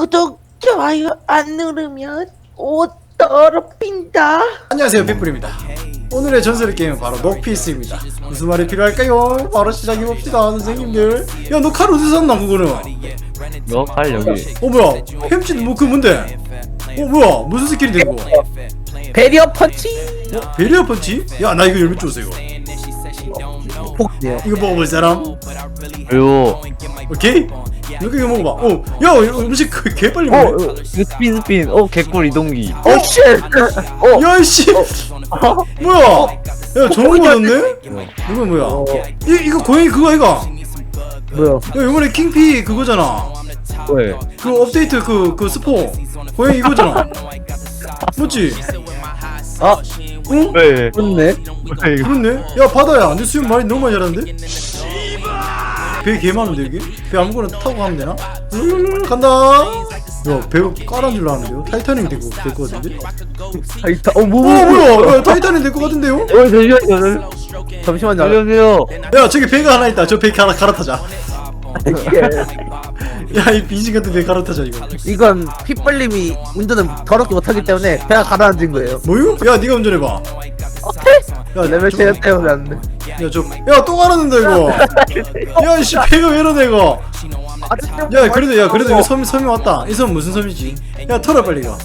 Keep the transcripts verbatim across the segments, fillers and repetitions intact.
구독, 좋아요 안 누르면 옷 더럽힌다. 안녕하세요, 핏불입니다. 오늘의 전설의 게임은 바로 녹피스입니다. 무슨 말이 필요할까요? 바로 시작해봅시다, 선생님들. 야, 너 칼 어디서 샀나, 그거는? 너 칼 여기. 어, 뭐야? 햄찌 뭐, 그 뭔데? 어, 뭐야? 무슨 스킬인데, 이거? 베리어 펀치. 어? 베리어 펀치? 야, 나 이거 열매 줬어, 이거. 폭이요. 이거 먹어볼 사람? 그리고 오케이? 이거 이거 먹어봐. 어, 야, 이거 음식 그 개빨리 어, 먹네. 어, 이거 스핀 스핀. 어, 개꿀 이동기. 오 쉣. 어. 야, 이씨! 뭐야? 야, 좋은 거 넣었네? 이거 뭐야? 어. 이, 이거 고양이 그거 아이가? 뭐야? 야, 이번에 킹피 그거잖아. 왜? 그 업데이트 그, 그 스포. 고양이 이거잖아. 맞지? 아, 응? 왜? 그렇네. 왜 이거? 그렇네? 야, 바다야. 내 수영 많이 너무 많이 잘하는데? 배 개 많은데, 여기? 배 아무거나 타고 가면 되나? 룰 간다! 야, 배가 까란 줄 알았는데요? 타이타닉이 될 것, 될 것 같은데? 아이타. 어, 어, 뭐, 뭐, 뭐야? 야, 타이타닉 될 것 같은데요? 어, 잠시만요. 잠시만요. 안녕하세요. 야, 저기 배가 하나 있다. 저 배 하나 갈아타자. 야, 이 빈신 같은 배 갈아타자, 이거. 이건 핏벌림이 운전을 더럽게 못하기 때문에 배가 가라앉은 거예요. 뭐요? 야, 네가 운전해봐. 오케이. 야, 레벨 저- 제일 때문에 안 돼. 야, 저, 야, 또 갈았는데, 이거. 야, 이씨, 배가 왜 이러네, 이거. 야, 그래도, 야, 그래도 이거 섬, 섬이 왔다. 이 섬 무슨 섬이지? 야, 털어, 빨리, 이거.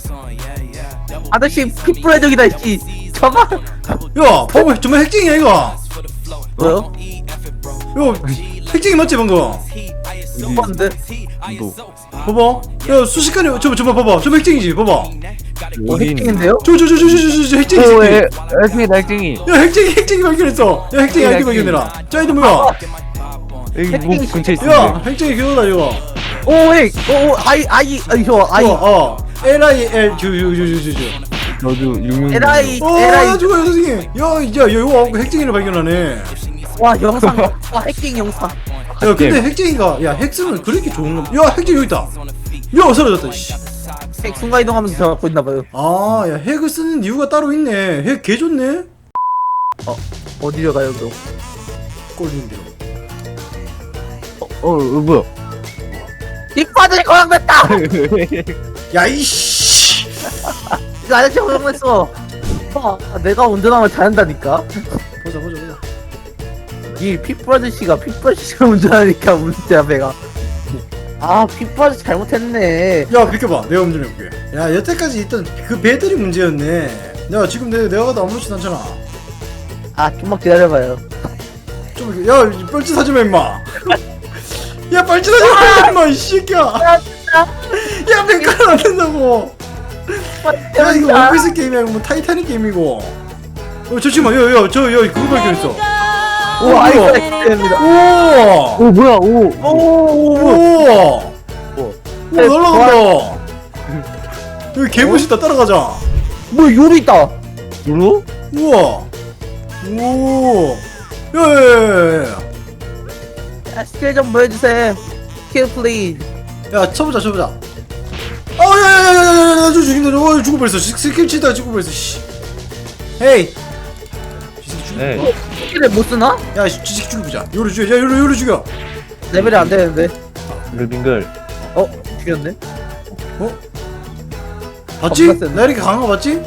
아저씨 핏불해적이다 씨. 저봐. 야, 봐봐, 정말 핵쟁이야, 이거. 뭐요? 야, 핵쟁이 맞지, 방금? 뭔데? 너 봐봐. 야, 순식간에, 저거, 저거 봐봐. 저 핵쟁이지, 봐봐. 어, 핵팅인데요? 저, 저, 저, 저, 저, 저, 저, 핵쟁이, 오, 새끼. 에, 액ting이 날쟁이. 야, 핵쟁이, 핵쟁이 발견했어. 야, 핵쟁이 아이디 핵쟁이. 발견해라. 저 아이디 뭐야? 여기 목 근처에 야, 있는데. 핵쟁이 교도다, 이거. 오, 에이, 오, 오, 아이, 아이, 아이, 저, 아이, 어, 어. L I L, 주, 주, 주, 주, 주. 너도 육육. 에라이, 어, 에라이. 야, 저거, 선생님. 야, 야, 야, 이거 핵쟁이를 발견하네. 와, 영상, 와, 핵팅 영상. 야, 근데 핵쟁이가, 야, 핵 쓰면 그렇게 좋은 놈. 야, 핵쟁이 여기 있다. 야, 사라졌다, 씨. 핵 순간 이동하면서 저 갖고 있나봐요. 아, 야, 핵을 쓰는 이유가 따로 있네. 핵 개 좋네. 어디로 가요, 그럼? 꼴린대로. 어, 어, 뭐야? 빅파들이 고장났다! 야, 이씨. 이거 아저씨 고장났어. 아, 내가 운전하면 잘한다니까? 보자, 보자, 보자. 이 핏불 아저씨가 핏불 아저씨가 운전하니까 문제야, 배가. 아, 핏불 아저씨 잘못했네. 야, 비켜봐. 내가 운전해볼게. 야, 여태까지 있던 그 배들이 문제였네. 야, 지금 내, 내가 가도 아무렇지도 않잖아. 아, 좀만 기다려봐요. 좀, 이렇게- 야, 뻘짓하지 마, 임마. 야, 뻘짓하지 마, 임마, 이 새끼야. 야, 백화는 안 된다고. 야, 이거 원피스 게임이야, 이거 뭐 타이타닉 게임이고. 어, 잠시만, 야, 야, 저, 야, 그거 발견했어. 오, 어, 아이고, 뭐야? 됩니다. 우와! 오, 뭐야? 오. 오, 우와! 오. 우와, 날라간다. 여기 개 멋있다, 따라가자. 뭐, 요리 있다. 누로? 우와! 오! 야, 야, 야, 야, 야, 스킬 좀 보여주세요. 스킬 플리즈. 야. 야, 쳐보자, 쳐보자. 어, 야, 야, 야, 야, 야, 야, 야, 저 죽인다. 어, 죽어버렸어. 스- 스킬 치다가 죽어버렸어, 씨. 헤이! 이 새끼 죽여. 네. 스킬을 못 쓰나? 야, 이 새끼 죽여보자. 요로 죽여. 야, 요로, 요로 죽여. 레벨이 안 되는데. 빙글빙글. 어, 죽였네. 어? 봤지? 겁나 센데. 나 이렇게 강한 거 봤지?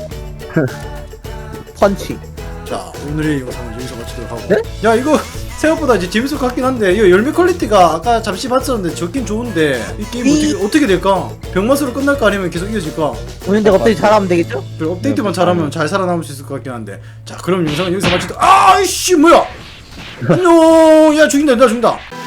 펀치. 자, 오늘의 영상을 여기서 마치도록 하고. 네? 야, 이거 생각보다 이제 재밌을 것 같긴 한데, 이거 열매 퀄리티가 아까 잠시 봤었는데 좋긴 좋은데, 이 게임 이- 어떻게, 어떻게 될까? 병맛으로 끝날까 아니면 계속 이어질까? 오는데 갑자기 잘하면 되겠죠? 그리고 업데이트만 잘하면 잘 살아남을 수 있을 것 같긴 한데. 자, 그럼 영상은 여기서 마치도록. 아이씨, 뭐야! 안녕! 야, 죽인다, 나 죽인다.